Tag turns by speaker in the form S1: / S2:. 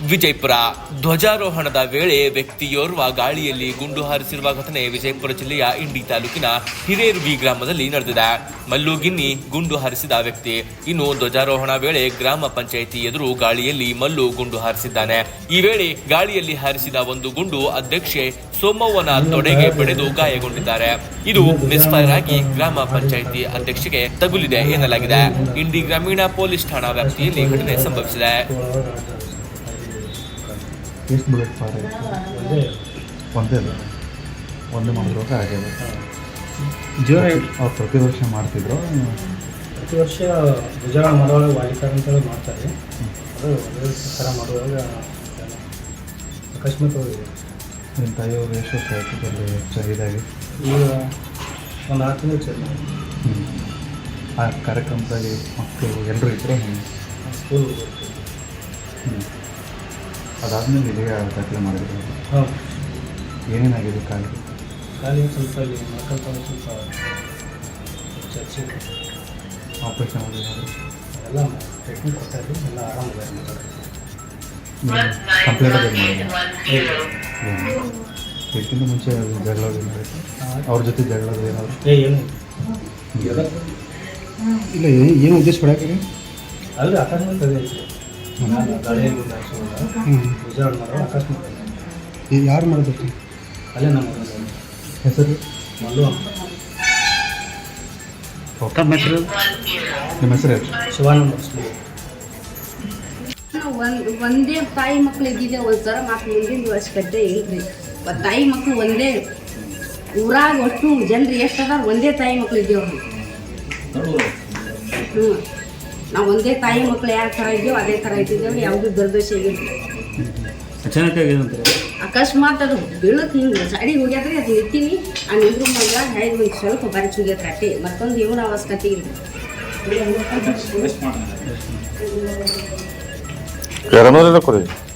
S1: ವಿಜಯಪುರ ಧ್ವಜಾರೋಹಣದ ವೇಳೆ ವ್ಯಕ್ತಿಯೋರ್ವ ಗಾಳಿಯಲ್ಲಿ ಗುಂಡು ಹಾರಿಸಿರುವ ಘಟನೆ ವಿಜಯಪುರ ಜಿಲ್ಲೆಯ ಇಂಡಿ ತಾಲೂಕಿನ ಹಿರೇರುವಿ ಗ್ರಾಮದಲ್ಲಿ ನಡೆದಿದೆ. ಮಲ್ಲುಗಿನ್ನಿ ಗುಂಡು ಹಾರಿಸಿದ ವ್ಯಕ್ತಿ. ಇನ್ನು ಧ್ವಜಾರೋಹಣ ವೇಳೆ ಗ್ರಾಮ ಪಂಚಾಯಿತಿ ಎದುರು ಗಾಳಿಯಲ್ಲಿ ಮಲ್ಲು ಗುಂಡು ಹಾರಿಸಿದ್ದಾನೆ. ಈ ವೇಳೆ ಗಾಳಿಯಲ್ಲಿ ಹಾರಿಸಿದ ಒಂದು ಗುಂಡು ಅಧ್ಯಕ್ಷೆ ಸೋಮವ್ವನ ತೊಡೆಗೆ ಬಡಿದು ಗಾಯಗೊಂಡಿದ್ದಾರೆ. ಇದು ಮಿಸ್ಫೈರ್ ಆಗಿ ಗ್ರಾಮ ಪಂಚಾಯಿತಿ ಅಧ್ಯಕ್ಷೆಗೆ ತಗುಲಿದೆ ಎನ್ನಲಾಗಿದೆ. ಇಂಡಿ ಗ್ರಾಮೀಣ ಪೊಲೀಸ್ ಠಾಣಾ ವ್ಯಾಪ್ತಿಯಲ್ಲಿ ಘಟನೆ ಸಂಭವಿಸಿದೆ.
S2: ಎಷ್ಟು ಬುಲೆಟ್ ಫೈರ್ ಆಯಿತು? ಒಂದೇ ಮಾಡಿರೋಕೆ ಆಗಿದೆ.
S3: ಜೋರ
S2: ಅವ್ರು ಪ್ರತಿ ವರ್ಷ ಮಾಡ್ತಿದ್ರು.
S3: ಪ್ರತಿ ವರ್ಷ ಧ್ವಜಾರೋಹಣ ಮಾಡುವಾಗ ವಾಲಿಕಾರ ಅಂತೇಳಿ ಮಾಡ್ತಾರೆ. ಅದು ಒಂದೇ ಥರ ಮಾಡುವಾಗ ಅಕಸ್ಮಾತ್
S2: ನಿಮ್ಮ ತಾಯಿಯವರು ಎಷ್ಟು ವರ್ಷ ಆಯಿತು ಚೆನ್ನಾಗಿ?
S3: ಈಗ ಒಂದು 6 ತಿಂಗಳು ಚೆನ್ನಾಗಿ.
S2: ಆ ಕಾರ್ಯಕ್ರಮದಲ್ಲಿ ಮಕ್ಕಳು ಎಲ್ಲರೂ ಇದ್ದರು.
S3: ಸ್ಕೂಲ್
S2: ಅದಾದಮೇಲೆ ಇಲ್ಲಿಗೆ ದಾಖಲೆ ಮಾಡಿದ್ರು.
S3: ಹೌದು.
S2: ಏನೇನಾಗಿದೆ ಖಾಲಿ
S3: ಸ್ವಲ್ಪ ಇಲ್ಲಿ ಮಕ್ಕಳ ಸ್ವಲ್ಪ ಚರ್ಚೆ
S2: ಆಪ್ರೇಷನ್ ಆಗಿದ್ದಾರೆ.
S3: ಎಲ್ಲ ಟ್ರೀಟ್ಮೆಂಟ್ ಕೊಡ್ತಾಯಿದ್ವಿ. ಎಲ್ಲ ಆರಾಮಾಗಿದೆ.
S2: ಕಂಪ್ಲೇಂಟ್ ಅದೇ ಮಾಡಿದ್ರು. ಇದಕ್ಕಿಂತ ಮುಂಚೆ ಜಗಳ ಅವ್ರ ಜೊತೆ ಜಗಳ ಏನಾದ್ರು?
S3: ಏನು
S2: ಇಲ್ಲ, ಏನು ಉದ್ದೇಶ ಪಡೋಕೆ
S3: ಅಲ್ಲಿ ಅಕಸ್ಮಾತ್ ಅದೇ ಗಾಳಿಯಲ್ಲಿ ಧ್ವಜಾರೋಹಣ ಮಾಡುವ ಅಕಸ್ಮಾತ್
S2: ಯಾರು ಮಾಡಬೇಕು?
S3: ಅಲ್ಲೇ ನಮ್ಮ
S2: ಹೆಸರು
S3: ಮಲ್ಲು ಅಂತ.
S2: ನಿಮ್ಮ ಹೆಸರು
S3: ಶಿವಾನಂದ.
S4: ಒಂದೇ ತಾಯಿ ಮಕ್ಳು ಇದ್ದಿದ್ದೆ. ಒಂದ್ಸಲ ಮಾತು ಮುಂದಿನ ವರ್ಷಗಡ್ಡೆ ಇಲ್ರಿ. ತಾಯಿ ಮಕ್ಳು ಒಂದೇ ಊರಾಗ ಒಟ್ಟು ಜನರು ಎಷ್ಟು ಅದಾರ ಒಂದೇ ತಾಯಿ ಮಕ್ಳು ಇದ್ದೇವ್ರಿ. ನಾವು ಒಂದೇ ತಾಯಿ ಮಕ್ಳು ಯಾವ ಥರ ಇದ್ದೇವೆ ಅದೇ ಥರ ಇದ್ದಿದ್ದೇವ್ರಿ. ಯಾವುದೂ ದುರ್ದೋಷ ಆಗಿಲ್ಲ. ಅಕಸ್ಮಾತ್ ಅದು ಬೀಳಕ್ಕೆ ಹಿಂಗೆ ಸೈಡಿಗೆ ಹೋಗ್ಯಾದ್ರಿ. ಅದು ನಿಂತೀನಿ ಆ ನಿಂದ್ರು ಮಗ ಒಂದು ಸ್ವಲ್ಪ ಬರಚ್ ಹೋಗ್ಯತ್ರ ಅಟ್ಟೆ. ಮತ್ತೊಂದು ಏನು ಅವಶ್ಯಕತೆ ಇಲ್ಲ.
S5: ಯಾರನ್ನೋರೆಲ್ಲ ಕೊಡಿ.